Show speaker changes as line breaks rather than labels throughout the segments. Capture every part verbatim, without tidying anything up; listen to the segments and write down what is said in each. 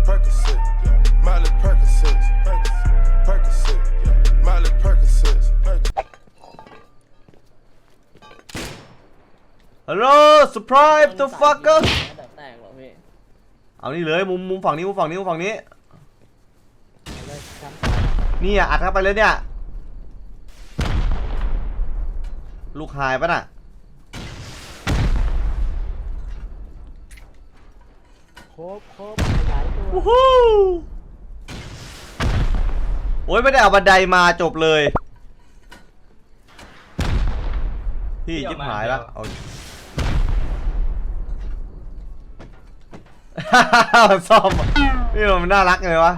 Percocet, Miley Percocet, Percocet, Miley Percocet.
ฮัลโหล surprise the fucker
แตกหรอพี่
เอานี่เลยมุมมุมฝั่งนี้มุมฝั่งนี้มุมฝั่งนี้นี่อ่ะอัดเข้าไปเลยเนี่ยลูกหายปะน่ะ
โคบโคบหลายตัว
วู้ฮู้โอ้ยไม่ได้เอาบันไดมาจบเลยพี่ยิบหายแล้วเอา ซ่อมนี่มันน่ารักเลยวะ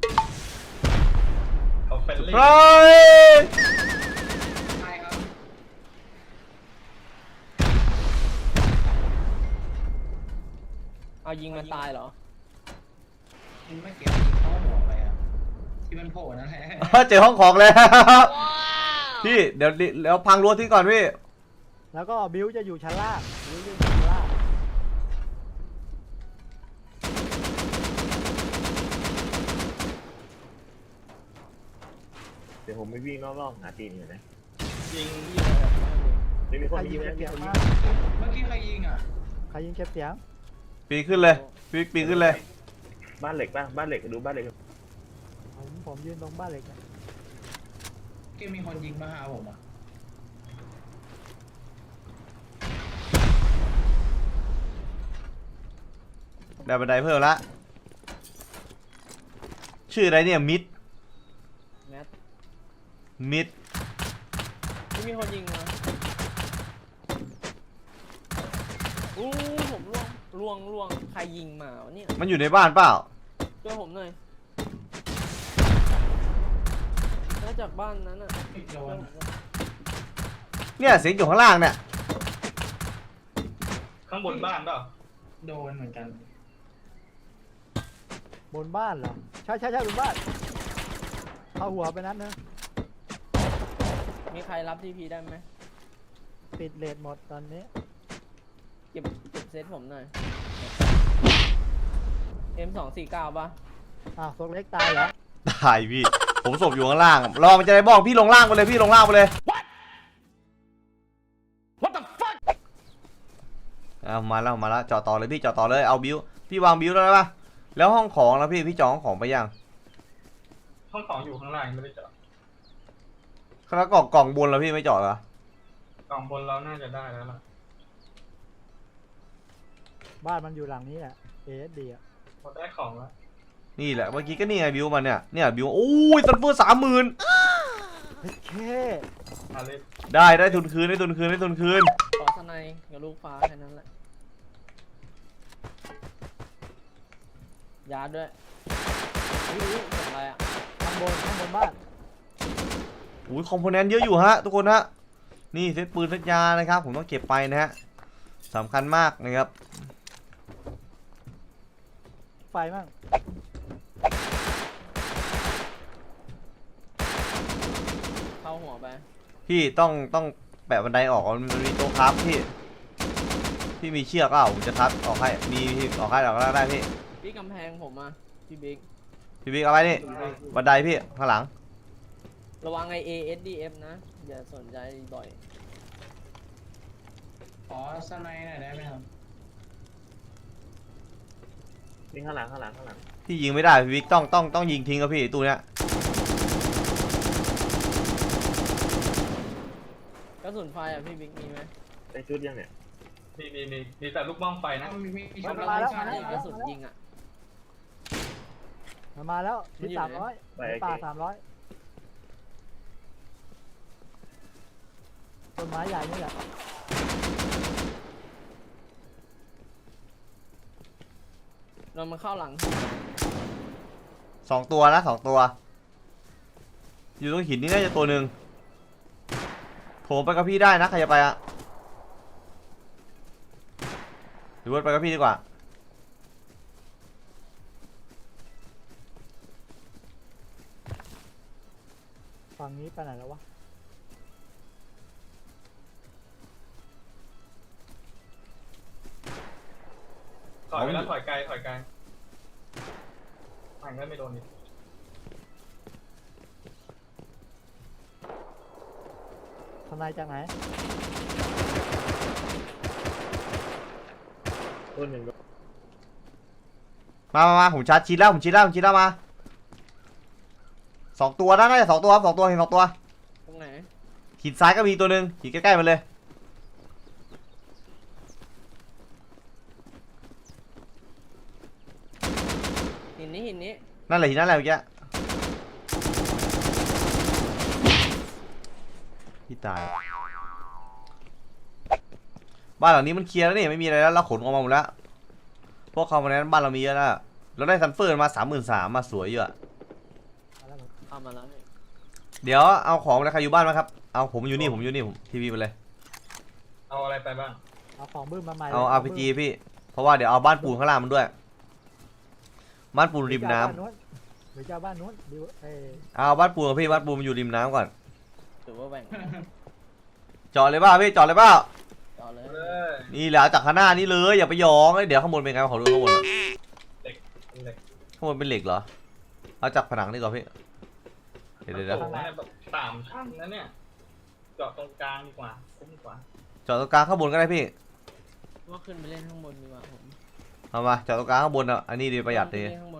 เขาเฟรนลี่
เฮ้ย
ใช่ครับ
เอายิงมันตายเหรอ
ยิงไม่เกี่ยวยิงเข้าหัวไปอ่ะที่มันโผล่นั่นแหละ
เจอห้องของแล้วพี่เดี๋ยวเดี๋ยวพังรั้วทิ้งก่อนพี่
แล้วก็บิวจะอยู่ชั้นล่างบิวจะอยู่ชั้นล่าง
เดี๋ยวผมไม่วิ่งรอบๆหาตีนอยู่นะ
ยิง
ไม่มีค
ใคร
น
ยิ
ยิ
ง
ง
เก็
นะ
บเสียง
มีคนยิ
มาง ก
เมื่อกี้ใครยิงอ่ะ
ใครยิงเก็บเสียง
ปีนขึ้นเลยปีนปีนขึ้นเลย
บ้านเหล็กป่ะบ้านเหล็กดูบ้านเหล็ก
ผมผมยืนตรงบ้านเหล็กนะ
เกมมีคนยิงมาหาผมอ่ะ
ได้บันไดเพิ่มละชื่ออะไรเนี่ยมิด
แมท
มิด
ไม่มีคนยิงมาอู้ผมล่วงล่วงล่วงใครยิงมาวะเนี่ย
มันอยู่ในบ้านเปล่า
ช่วยผมหน่อยน่าจากบ้านนั้นอ่ะ
โดน
เนี่ยเสียงอยู่ข้างล่างเนี่ย
ข้างบนบ้านเปล่าโดนเหมือนกัน
บนบ้านเหรอใช่ใช่ใช่บนบ้านเข้าหัวไปนั้นนะ
มีใครรับทีพีได้ไหม
ปิดเลทหมดตอนนี้
เก็บเก็บเซตผมหน่อย เอ็ม สองสี่เก้า ป่ะ
อ้าวโซกเล็กตายเหรอ
ตายพี่ผมศพอยู่ข้างล่างรอมันจะได้บ้องพี่ลงล่างไปเลยพี่ลงล่างไปเลย
What the fuck
เอามาแล้วมาแล้วจอดต่อเลยพี่จอดต่อเลยเอาบิวพี่วางบิวแล้วได้ปะแล้วห้องของแล้วพี่พี่จองห้องของไปยัง
ห้องของอยู่ข้างล่างไม่ได้เจาะ
แล้วกล่องกล่องบนแล้วพี่ไม่จอดเหรอก
ล่องบนเราน่าจะได้แล้วล่ะ
บ้านมันอยู่หลังนี้แหละเอสดีอ่ะ
พอได้ของแล้ว
นี่แหละเมื่อกี้ก็นี่ไงบิวมันเนี่ยเนี่ยบิวโอ้ยซันเฟอร์สามหมื่น
เฮ้ยเค
อาเลส
ได้ได้ทุนคืนได้ทุนคืนได้ทุนคืน
ขอสไนด์กับลูกฟ้าแค่นั้นแหละยาร์ดด้วยอุ้ยเสียงอะไรอ่ะ
ข้างบนข้างบนบ้าน
อุ้ยคอมโพเนนต์เยอะอยู่ฮะทุกคนฮะนี่เซตปืนเซตยานะครับผมต้องเก็บไปนะฮะสำคัญมากนะครับ
ไฟมั่ง
เข้าหัวไป
พี่ต้องต้องแปะบันไดออกมันมีโต๊ะครับพี่พี่มีเชือกเปล่าผมจะทับออกให้มีพี่ออกให้ออกได้พี่
พี่กำแพงผมอ่ะพี่บิ๊ก
พี่บิ๊กเอาไว้นี่บันไดพี่ข้างหลัง
ระวังไอ เอ เอส ดี เอฟ นะ อย่าสนใจบ่อย
ขอสไนด์หน่อยได้ไหมครับ
นี่ข้างหลังข้างหลังข้างหลัง
พี่ยิงไม่ได้พี่บิ๊กต้องต้องต้องยิงทิ้งครับพี่ตู้เนี้ย
กระสุนไฟอ่ะพี่บิ๊กมีไหม
ได้ชุดยังเนี่ย
มีมีมีมีแต่ลูกบ้องไฟนะมีมี
กระสุนกระสุนยิงอ่ะ
มันมาแล้วที่
มันอยู่
สาม
ไหน
ร้อย
ไป
ใน
ไอ้
ป่า
เก๋
สามร้อยต้นไม้ใหญ่นี่แหละ
เรามาเข้าหลัง
สองตัวนะสองตัว อยู่ตรงหินนี่น่าจะตัวหนึ่งโถมไปกับพี่ได้นะใครจะไปอะหรือว่าไปกับพี่ดีกว่า
ฝั่งนี้ไปไหนแล้ววะ
ถอยไปแล้วถอยไกลถอยไกลมันก็ไม่โดนนี่
ทนายจากไหน
ต้นหนึ่งก็
มามามาผมชาร์จชิดแล้วผมชิดแล้วผมชิดแล้วมาสองตัวนะน่าจะสองตัวครับสองตัวเห็นสองตัว
ตรงไหน
หินซ้ายก็มีตัวหนึ่งหินใกล้ๆมันเลย
หินนี้หินนี้
นั่นแหละหินนั่นแหละเมื่อกี้พี่ตายบ้านหลังนี้มันเคลียร์แล้วนี่ไม่มีอะไรแล้วเราขนออกมาหมดแล้วพวกเขามาในนั้นบ้านเรามีเยอะแล้วเราได้ซันเฟอร์มาสามหมื่นสามมาสวยเยอะ
มาแล้วผม
เอามาแล้วพี่
เดี๋ยวเอาของอะไรใครอยู่บ้านไหมครับเอาผมอยู่นี่ผมอยู่นี่ผมทีวีไปเลย
เอาอะไรไปบ้าง
เอาของบื้มมาใหม่
เอา อาร์ พี จี พี่เพราะว่าเดี๋ยวเอาบ้านปูนข้างล่างมันด้วยบ้านปูนริมน้ำ
หรือจะเอาบ้านนู้นดิวเอ้ย
เอาบ้านปูนกับพี่บ้านปูนมันอยู่ริมน้ำก่อน
ถือว่าแบ่ง
จอดเลยบ้าพี่จอดเลยบ้า
ต่อเลย
เลย
นี่แหละจากข้างหน้านี่เลยอย่าไปยองเดี๋ยวข้างบนเป็นไงขอดูข้างบนหน่อย
เหล็กเหล็ก
ข้างบนเป็นเหล็กเหรอเอาจากผนังนี่ก่อนพี่เดี๋ยวเดี๋ยวเดี๋ยว
โอ้โหเนี่ยแบบสามชั้นนะเนี่ยเจาะตรงกลางดีกว่าคุ้มกว่า
จอดตรงกลางข้างบนก็ได้พี่
ว่าขึ้นไปเล่นข้างบนดีกว่าผม
เอามาจอดตรงกลางข้างบนอ่ะอันนี้ดีประหยัดดี
ขึ้นไปเล่นข้างบน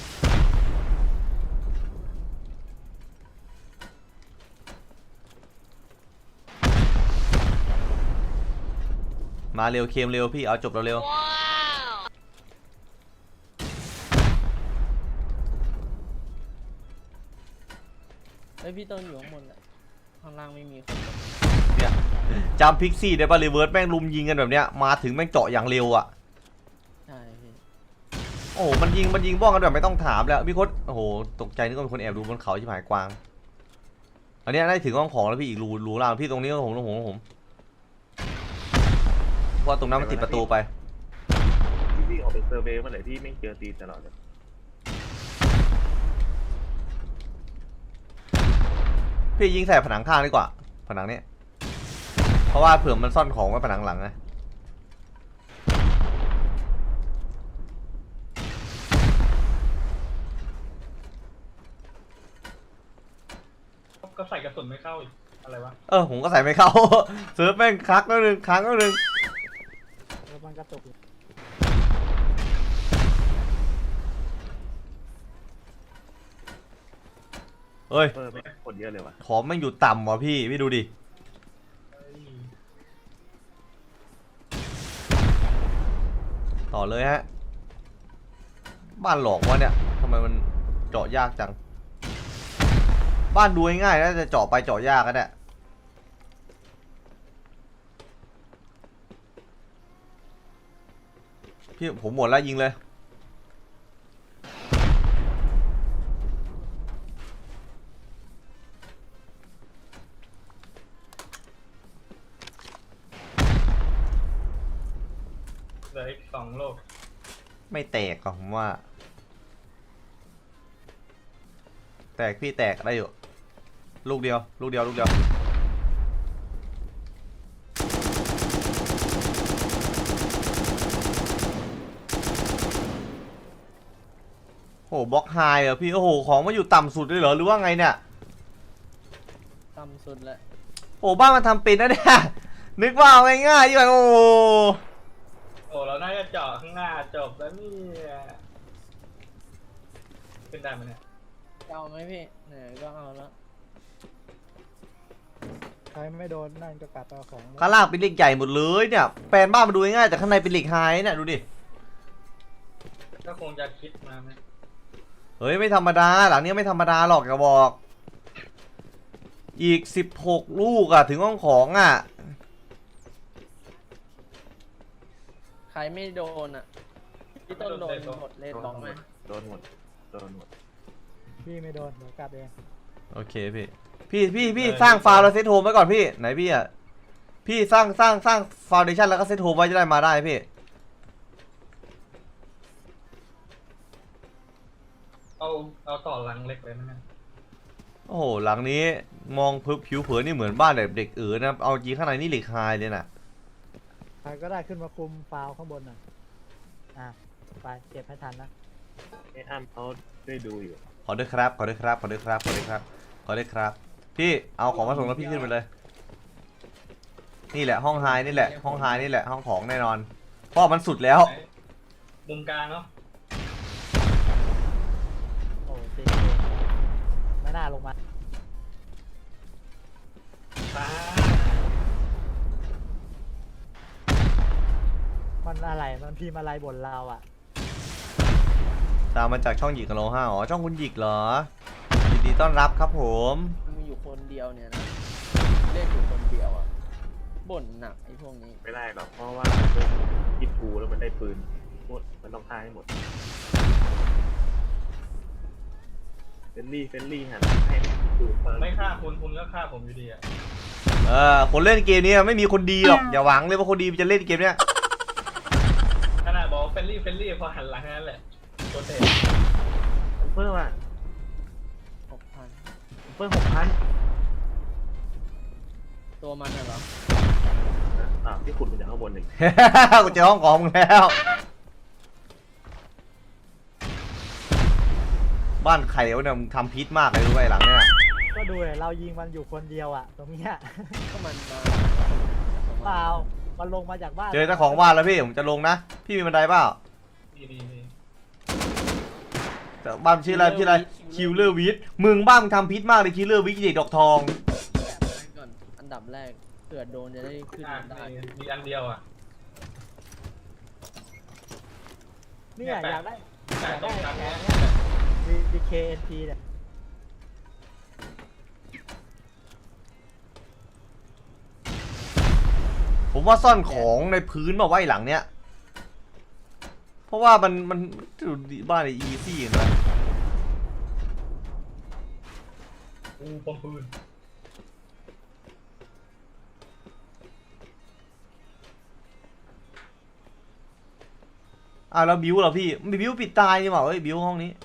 มาเร็วเคมเร็วพี่เอาจบเร็ว
เฮ้ยพี่ต้นอยู่ข้างบนแหละข้างล่างไม่มีคน
ๆเนี่ยจำพิกซี่ได้ป่ะรีเวิร์สแม่งลุมยิงกันแบบเนี้ยมาถึงแม่งเจาะอย่างเร็วอ่ะ
ใช่พี่
โอ้โหมันยิงมันยิงบ้องกันแบบไม่ต้องถามแล้วพี่โคตรโอ้โหตกใจนึกว่าเป็นคนแอบดูบนเขาชิบหายกวางอันเนี้ยได้ถึงห้องของแล้วพี่อีกรูรูล่างพี่ตรงนี้ก็ผมตรงผมตรงผมเพราะตรงนั้นมันติดประตูไป
พี่วิ่งออกเป็นเซอร์เวย์เมื่อไหร่พี่ไม่เจอตีนตลอดเลย
พี่ยิงใส่ผนังข้างดีกว่าผนังนี้เพราะว่าเผื่อมันซ่อนของไว้ผนังหลังไง
ก็ใส่กระสุนไม่เข้าอีกอะไรวะ
เออผมก็ใส่ไม่เข้า เซิร์ฟแม่งคักแล้วนึงค้างแล้วนึง
แล้วมันกระตุกอยู่
เอ้ย
เออไม่กดเยอะเลยว่ะ
ของแม่งอยู่ต่ำว่ะพี่พี่ดูดิ
เฮ้ย
ต่อเลยฮะบ้านหลอกวะเนี่ยทำไมมันเจาะยากจังบ้านดูง่ายๆนะจะเจาะไปเจาะยากกันเนี่ยพี่ผมหมดแล้วยิงเลย
เหลืออีกสองโลก
ไม่แตกหรอกผมว่า แตกพี่แตกได้อยู่ลูกเดียวลูกเดียวลูกเดียวโหบล็อกไฮเหรอพี่โอ้โหของมาอยู่ต่ำสุดเลยเหรอหรือว่าไงเนี่ย
ต่ำสุดแหละ
โอ้บ้านมันทำเป็นนะเนี่ยนึกว่าเอาง่ายๆอยู่แบบโอ้
โอ้เราน่าจะเจาะข้างหน้าจบแล้วนี่ขึ้นได้ไหมเนี่ย
จะเอาไหมพี่เนี่ยก็เอาแล้ว
ใครไม่โดนนั่นก็กลับไปเอาของ
ข้างล่างเป็นเหล็กใหญ่หมดเลยเนี่ยแปลนบ้านมาดูง่ายๆแต่ข้างในเป็นเหล็กไฮเนี่ยดูดิ
ก็คงจะคิดมาไหม
เฮ้ยไม่ธรรมดาหลังนี้ไม่ธรรมดาหรอกอย่าบอกอีกสิบหกลูกอะถึงห้องของอะ
ใครไม่โดนอ่ะพี่ต้นโดนหมดเลนบอกไหม
โดนหมดโดนหมด
พี่ไม่โดนเดี๋ยวกลับเอง
โอเคพี่พี่พี่พี่สร้างฟาวแล้วเซตโฮมไว้ก่อนพี่ไหนพี่อะพี่สร้างสร้างสร้างฟาวเดชั่นแล้วก็เซตโฮมไว้จะได้มาได้พี่
เอาเอาต่อหลังเล็กเลยนะเนี่ย
โอ้โหหลังนี้มองผิวเผินนี่เหมือนบ้านแบบเด็กเอ๋อนะเอาจริงข้างในนี่เหล็กไฮเลยนะ
ใครก็ได้ขึ้นมาคุมฟาวข้างบนน่ะอ่ะไปเก็บให้ทันนะ
ไอ้อ้ำเขาได้ดูอยู่
ขอด้วยครับขอด้วยครับขอด้วยครับขอด้วยครับขอด้วยครับพี่เอาของมาส่งแล้วพี่ขึ้นไปเลยนี่แหละห้องไฮนี่แหละห้องไฮนี่แหละห้องของแน่นอนเพราะมันสุดแล้ว
มุมกลางเนาะ
โอ้เจ๊ไม่น่าลงมา
ตา
มันอะไรมันพิมพ์อะไรบนเราอ่ะ
ตามมาจากช่องหยิกกับโลห้าอ๋อช่องคุณหยิกเหรอยินดีต้อนรับครับผม
มีอยู่คนเดียวเนี่ยนะเล่นอยู่คนเดียวอ่ะบ่นหนักไอ้พวกนี้
ไม่ได้หรอกเพราะว่าพวกคิดกูแล้วมันได้ปืนหมดมันต้องฆ่าให้หมดเฟนลี่เฟนลี่หันให้ดูเปิด
ไม่ฆ่าคุณคุณก็ฆ่าผมอยู่ดีอ่ะ
เออคนเล่นเกมนี้ไม่มีคนดีหรอกอย่าหวังเลยว่าคนดีจะเล่นเกมเนี้ย
ขนาดบอกเฟลลี่เฟลลี่พอหันหลังนั่นแหละตัวเตะ
เพิ่มอ่ะ
หกพัน
เพิ่มหกพัน
ตัวมันน่ะเหรอ
อ่าวที่ขุดมาจากข้างบนหนึ่ง
กูเจอห้องของมึงแล้ว บ้านใครวะเนี่ยมึงทำพิษมากเลยรู้ไหมหลังเนี่ย
ก็ดูเลยเรายิงมันอยู่คนเดียวอ่ะตรงเนี้ย
ก็มันมา
เปล่ามันลงมาจากบ้าน
เจอเจ้าของบ้านแล้วพี่ผมจะลงนะพี่มีบันไดเปล่า
ดีดีดี
แต่บ้านชื่ออะไรชื่ออะไรคิวเลอร์วิทมึงบ้านมึงทำพิษมากเลยคิวเลอร์วิทเด็กดอกทอง
แบบไว้ก่อนอันดับแรกเผื่อโดนจะได้ขึ้น
อ่ะ
ได้
มีมีอันเดียวอ่ะ
เนี่ยอยากได้
แต่ตรงกลางเนี้ย
ดีเคเอ็นทีเนี่ย
ผมว่าซ่อนของในพื้นมาไว้หลังเนี้ยเพราะว่ามันมันดูดิบ้านในอีซี่เห็นไหม
อูปมปืน
อ่ะแล้วบิวเหรอพี่มีบิวปิดตายนี่หว่าเอ้ยบิวห้องนี้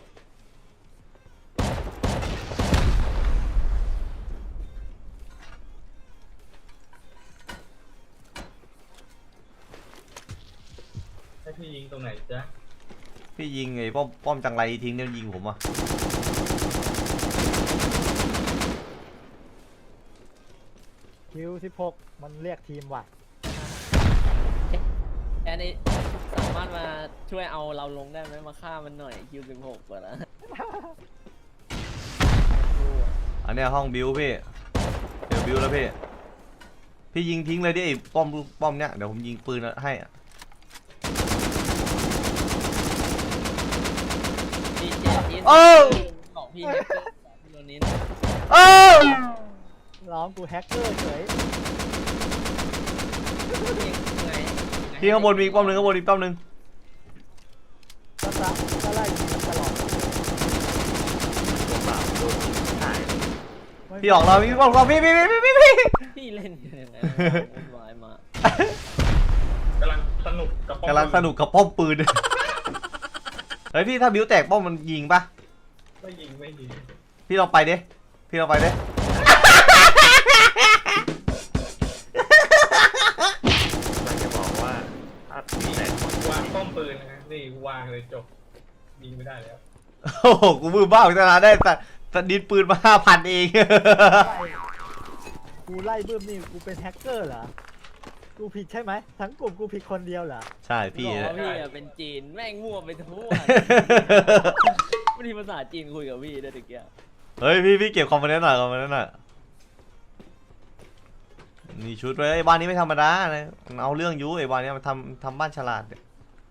ให้พี่ยิงตรงไหนจ๊ะ
พี่ยิงไอ้ป้อมป้อมจังไรทิ้งเนี่ยยิงผมอ่ะ
คิวสิบหกมันเรียกทีมว่ะ
แอนนี่สามารถมาช่วยเอาเราลงได้ไหมมาฆ่ามันหน่อยคิวสิบหกก่อนนะ
อันเนี้ยห้องบิวพี่เดี๋ยวบิวแล้วพี่พี่ยิงทิ้งเลยดิไอ้ป้อมป้อมเนี้ยเดี๋ยวผมยิงปืนให้อะ
พี่เจอินของพี่แฮกเกอร์ของพี่โรนิน
เอ้า
ร้องกูแฮกเกอร์เฉย
พี่ข้างบนมีอีกป้อมหนึ่งข้างบนอีกป้อมหนึ่ง
ก็จะก็ไล่ยิงมันตลอด
ตัวเปล่าโดนหาย
พี่ออกเราพี่ป้อมเราพี่พี่พี่พี่พี่
พี่เล่นยังไงวุ่นวายมาก
กำลังสนุกกับป้อม
กำลังสนุกกับป้อมปืนเฮ้ยพี่ถ้าบิวแตกป้อมมันยิงปะ
ไม่ยิงไม่ยิง
พี่ลองไปดิพี่ลองไปดิ
มันจะบอกว่าถ้าพี่แต่
วางป้อมปืนนะนี่วางเลยจบยิงไม่ได้แล้ว
โอ้โหกูมือบ้าพิจารณาได้แต่แต่ดินปืนมาห้าพันเอง
กูไล่บื้มนี่กูเป็นแฮกเกอร์เหรอกูผิดใช่ไหมทั้งกลุ่มกูผิดคนเดียวเหรอ
ใช่พี่
บอกว่าพี่อะเป็นจีนแม่งมั่วไปทั่วไม่ทีภาษาจีนคุยกับพี่ได้ตะเกียบ
เฮ้ยพี่พี่เก็บคอมโพเนนต์หน่อยคอมโพเนนต์หน่อยนี่ชุดไว้ไอ้บ้านนี้ไม่ธรรมดานะมันเอาเรื่องอยุ้ไอ้บ้านนี้มันทำทำบ้านฉลาดเนี่ย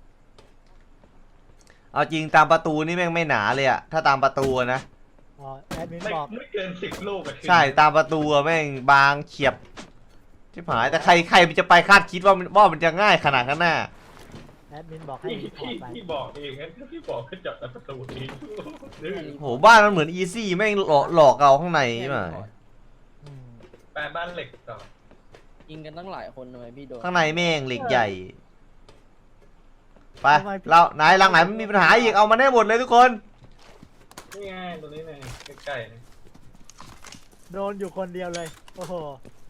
เอาจริงตามประตูนี่แม่งไม่หนาเลยอะถ้าตามประตูอะนะ
อ๋อแอดมิน
ไม่
บอก
ไม่เกินสิบลูกอะ
ใช่ตามประตูอะแม่งบางเฉียบชิบหายแต่ใครใครมันจะไปคาดคิดว่ามันว่ามันจะง่ายขนาดนั้นน่ะ
แอดมินบอกให้
พี่
รีพอ
พี่
ร์ตไป
พี่บอกเองงั้นพี่บอกแค่จับแต่ประตูเองดื้อ
โหบ้านมันเหมือนอีซี่แม่งหลอกหลอกเราข้างในใช่ไหม
อืม
แปลบ้านเหล็กต่อ
ยิงกันตั้งหลายคนทำไมพี่โดน
ข้างในแม่งเหล็กใหญ่ไปเราไหนหลังไหนมันมีปัญหาอีกเอามาได้หมดเลยทุกคน
นี่ไงตรงนี้ไงใกล้ๆนี่
โดนอยู่คนเดียวเลยโอ้โห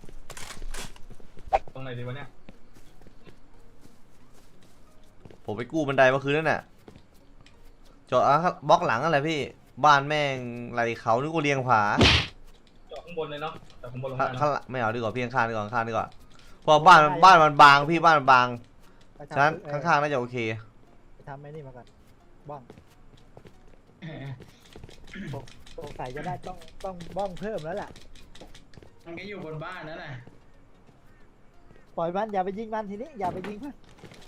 ตรงไหนดีวะเนี่ย
ผมไปกู้บันไดเมื่อคืนนั่นน่ะจอดอ่ะบล็อกหลังอะไรพี่ บ้านแม่งไหลเขานึกกูเรียงผา
เจาะข้างบนเลยเนาะแต่ข้างบนลง
ข้า
มา
ข้างหลังไม่เอาดีกว่าพี่ข้างๆดีกว่าข้างๆดีกว่าเพราะบ้านบ้านมันบางพี่บ้านมันบาง
ไป
ฉะนั้น
ทำ
ข้างๆน่าจะโอเค
ไปทำไอ้นี่มาก่อนบ้องสงสัยจะได้ต้องต้องบ้องเพิ่มแล้วแหละ
มันก็อยู่บนบ้านนั่นแหละ
ปล่อยมันอย่าไปยิงมันทีนี้อย่าไปยิงมัน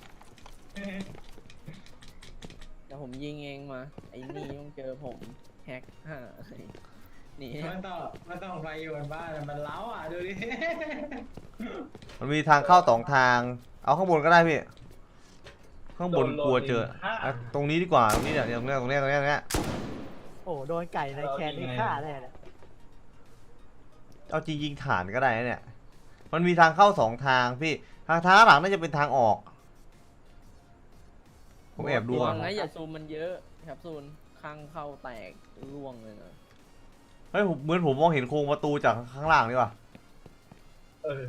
เดี๋ยวผมยิงเองมา ไอ้นี่ต้องเจอผมแฮกฮ่าหนี
มันต้องมันต้องไปอยู่บนบ้านมันเล้าอ่ะดูดิ
มันมีทางเข้าสองทาง เอาข้างบนก็ได้พี่ ข้างบนกลัวเจออ่ะตรงนี้ดีกว่าตรงนี้เนี่ยตรงเนี้ยตรงเนี้ยตรงเนี้ยตรงเนี้ย
โอ้โดนไก่ในแคนนี่ฆ่าได้เลย
เอาจริงยิงฐานก็ได้นะเนี่ย มันมีทางเข้าสองทางพี่ ทางท้างหลังน่าจะเป็นทางออก ผมแอบดู
ระวั
อ่ะ
งนะอย่าซูมมันเยอะครับซูนข้างเข้าแตกร่วงเลยนะ
เฮ้ยผมเหมือนผมมองเห็นโครงประตูจากข้างล่างดีกว่า
เออ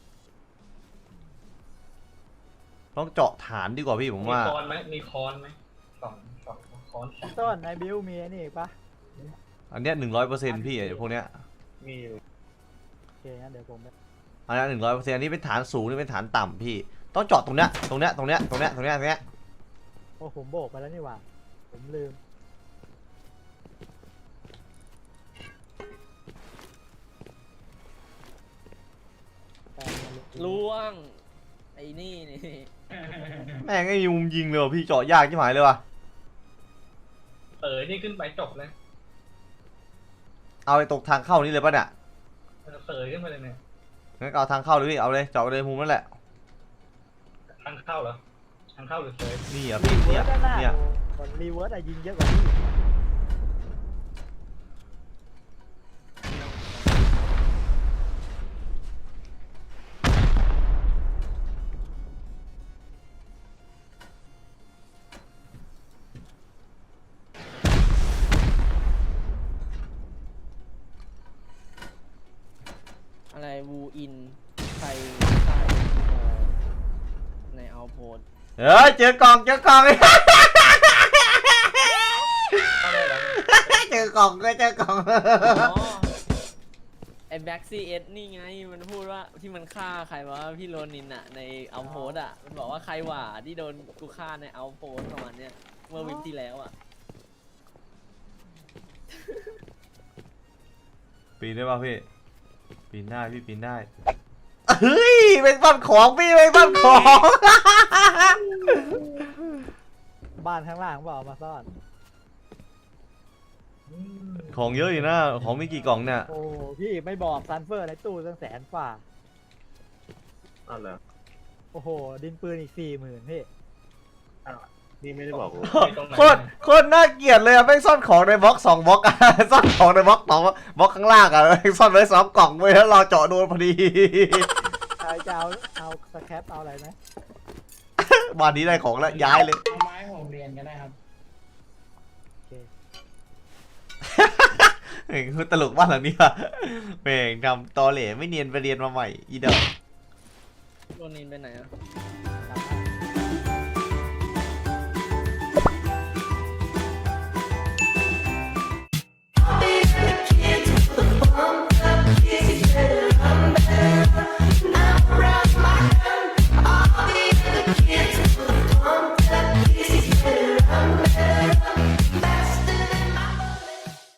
ต้องเจาะฐานดีกว่าพี่ผม
มี
ว่า
คอนไหมมีคอนไหมสองสองคอน
ต้นในบิวมีไอ้นี่อีกปะ
อันเนี้ยหนึ่งร้อยเปอร์เซ็นต์พี่ไอ้พวกเนี้ย
มีอยู่
โอเคงั้นเดี๋ยวผมไป
อันนี้หนึ่งร้อยเปอร์เซ็นต์อันนี้เป็นฐานสูงนี่เป็นฐานต่ำพี่ ต้องเจาะตรงเนี้ย ตรงเนี้ย ตรงเนี้ย ตรงเนี้ย ตรงเนี้ย ตรงเนี้ย
โอ้ผมโบกไปแล้วนี่หว่าผมลืมแต่มันลืม
ร่วง ไอ้นี่นี่
แม่งไอ้ยุมยิงเลยว่ะพี่เจาะยากชิบหายเลยว่ะ
เออนี่ขึ้นไปจบเลย
เอาไอ้ตกทางเข้านี่เลยป่ะเนี่ย
เสยขึ้นไปเลยเนี่ย
งั้นก็เอาทางเข้าเลยพี่ เอาเลยเจาะไปเลยมุมนั่นแหละ
ทางเข้าเหรอทางเข้าหรือเสย
นี่อ่ะ
รี
พี่
เวิ
เนี่
ร์
ย
สด้านหน้า
เนี่ย
โอ้รีเวิร์สอะยิงเยอะกว่าพี่
อะไรวูอินใครใต้ในเอาโพส
เฮ้ยเจอกล่องเจอกล่อง
เข้าได้แล้ว
เจอกล่องก็เจอกล่อง
อ๋อไอ้แบ็กซีเอสนี่ไงมันพูดว่าที่มันฆ่าใครวะพี่โรนินอะในเอาโพสอะมันบอกว่าใครหว่าที่โดนกูฆ่าในเอาโพสประมาณเนี้ยเมื่อวิกที่แล้วอะ
ปีนได้ป่ะพี่ปีนได้พี่ปีนได้เฮ้ยเป็นบ้านของพี่เป็นบ้านของ
บ้านข้างล่างบอกเอามาซ่อน
ของเยอะอยู่นะของมีกี่กล่องเนี่ย
โอ้พี่ไม่บอกซันเฟอร์ในตู้ตั้งแสนกว่า
อ้าวเหรอ
โอ้โห ดินปืนอีกสี่หมื่นพี่
อ้าวนี่ไม่ได้บอกกู
โคตรโคตรน่าเกลียดเลยอะแม่งซ่อนของในบล็อกสองบล็อกอะ ซ่อนของในบล็อกสองบล็อกข้างล่างอะแม่งซ่อนไว้สองกล่องไว้แล้วรอเจาะโดนพอดี
ใครจะเอาเอาสแครปเอาอะไรไหม
บ้านนี้ได้ของแล้วย้ายเลย
เอาไม้ผมเรียนก็ได้ครับ
โอเค
เฮ้ยตลกบ้านหลังนี้อะแม่งทำตอเหล่ไม่เนียนไปเรียนมาใหม่อีเดอ
โรนินไปไหนอะ